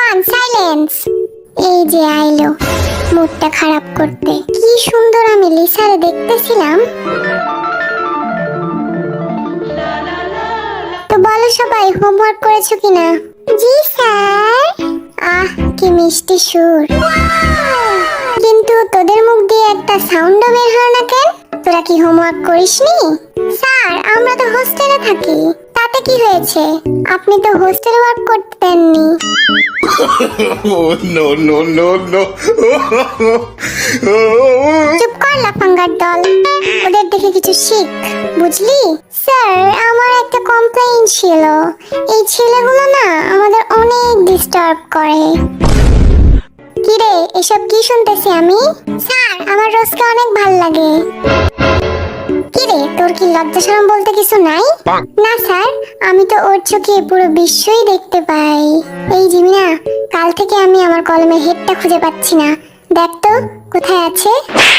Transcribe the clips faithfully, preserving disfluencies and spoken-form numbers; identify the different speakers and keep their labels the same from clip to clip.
Speaker 1: Everyone silence. এই যে আইলো মুডটা খারাপ করতে। কি সুন্দর আমি লিসারে দেখতেছিলাম। তো বলো সবাই হোমওয়ার্ক করেছো কিনা? জি স্যার। আহ কি মিষ্টি সুর, কিন্তু তোদের মুখ দিয়ে একটা সাউন্ডও বের হয় না কেন? তোরা কি হোমওয়ার্ক করিসনি? স্যার আমরা তো হোস্টেলে থাকি। তাতে কি হয়েছে? আপনি তো হোস্টেল ওয়ার্ক করতে দেননি।
Speaker 2: No no no no.
Speaker 1: চুপ কর লাফাঙ্গার দল, ওদের দেখে কিছু শিখ, বুঝলি? স্যার আমার একটা কমপ্লেইন ছিল। এই ছেলেগুলো না আমাদের অনেক ডিস্টার্ব করে। কিরে এসব কি শুনতেছি আমি? স্যার আমার রোজকে অনেক ভাল লাগে। কিরে তোর কি লজ্জা শরম বলতে কিছু নাই? না স্যার, আমি তো ওর চোখে পুরো বিশ্বই দেখতে পাই। এই জিমিনা, কাল থেকে আমি আমার কলমের হেডটা খুঁজে পাচ্ছি না। দেখ তো কোথায় আছে।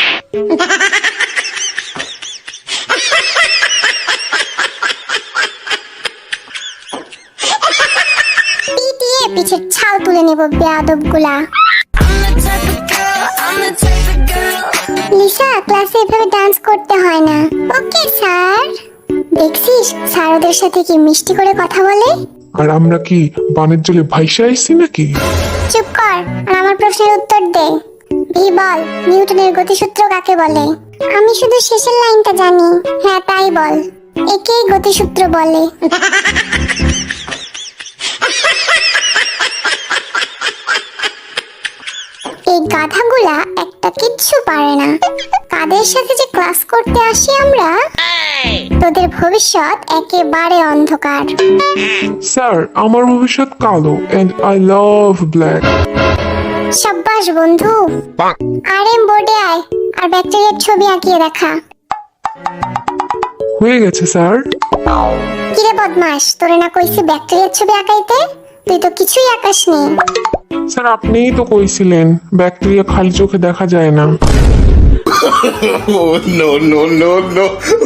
Speaker 1: পিটিয়ে পিছের ছাল তুলে নেব বেয়াদবগুলা। লিসা ক্লাসে এভাবে ডান্স করতে হয় না। Okay sir. দেখছিস স্যার ওদের সাথে কি মিষ্টি করে কথা বলে।
Speaker 3: আর আমরা কি বানের জলে ভাইসা আইছি নাকি?
Speaker 1: চুপ কর আর আমার প্রশ্নের উত্তর দে। ভি বল, নিউটনের গতিসূত্র কাকে বলে? আমি শুধু শেষের লাইনটা জানি। হ্যাঁ তাই বল, একেই গতিসূত্র বলে। এই গাধাগুলা একটা কিচ্ছু পারে না। কাদের সাথে যে ক্লাস করতে আসি আমরা। তোদের ভবিষ্যৎ একেবারে অন্ধকার।
Speaker 3: স্যার আমার ভবিষ্যৎ কালো এন্ড আই লাভ ব্ল্যাক।
Speaker 1: সাব্বাস বন্ধু। আর এম বোর্ডে আয় আর ব্যাকটেরিয়ার ছবি আঁকিয়ে দেখা।
Speaker 3: হয়ে গেছে স্যার।
Speaker 1: কিরে বদমাস, তোরে না কইছি ব্যাকটেরিয়ার ছবি আঁকাইতে? তুই তো কিছুই আঁকাসনি।
Speaker 3: স্যার আপনিই তো কইছিলেন ব্যাকটেরিয়া খালি চোখে দেখা যায় না।
Speaker 2: No no no no.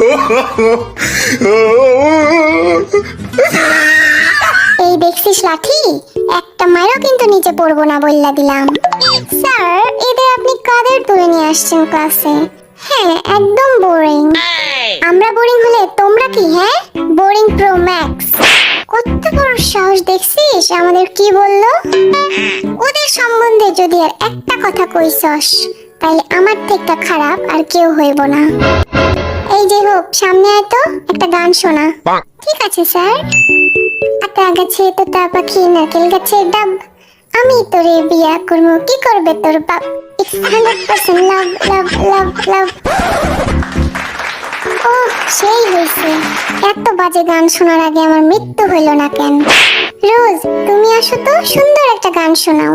Speaker 1: এই দেখছিস লাঠি, একটা মারও কিন্তু নিচে পড়বো না বললা দিলাম। স্যার এদের আপনি কাদের তুলে নিয়ে আসছেন ক্লাসে? হ্যাঁ একদম বোরিং। আমরা বোরিং হলে তোমরা কি? হ্যাঁ বোরিং প্রো ম্যাক্স। কত বড় সাহস দেখছিস আমাদের কি বললো? ওদের সম্বন্ধে যদি আর একটা কথা কইছস তাইলে আমার থেকে খারাপ আর কেউ হইব না। এই যে হোক সামনে আয় তো, একটা গান শোনা। ঠিক আছে স্যার। আতা গাছে তোতা পাখি নারকেল গাছের ডাব, আমি তোরে বিয়া করবো, কি করবে তোর বাপ। It's hundred percent love love love love. ও সেই হয়েছে। এত বাজে গান শোনার আগে আমার মৃত্যু হইল না কেন? রোজ তুমি আসো তো, সুন্দর একটা গান শোনাও।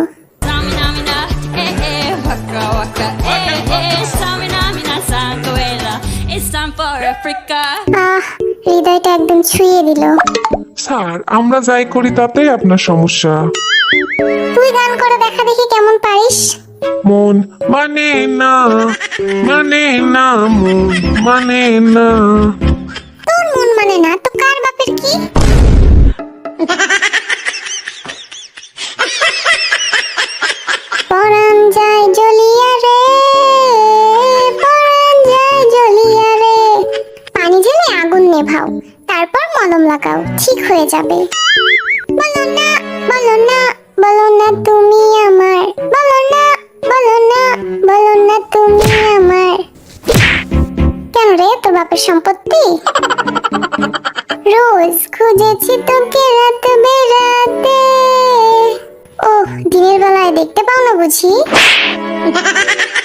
Speaker 1: আহ হৃদয়টা একদম ছুঁয়ে দিল।
Speaker 3: স্যার আমরা যাই করি তাতেই আপনার সমস্যা।
Speaker 1: তুই গান করে দেখা দেখি কেমন পারিস।
Speaker 3: মন মানে না, মানে না, মন মানে না।
Speaker 1: তোর মন মানে না তো কার বাপের কি? পরাণ যায় জ্বলিয়া রে, পরাণ যায় জ্বলিয়া রে। পানি ঢেলে আগুন নেভাও, তারপর মলম লাগাও, ঠিক হয়ে যাবে। বলো না বলো না বলো না তুমি আমার, বলো না বলো না বলো না তুমি আমার। কেন রে তোর বাপের সম্পত্তি? রোজ খুঁজেছি তোকে রাত বেরাতে। ও দিনের বেলায় দেখতে পাও না বুঝি?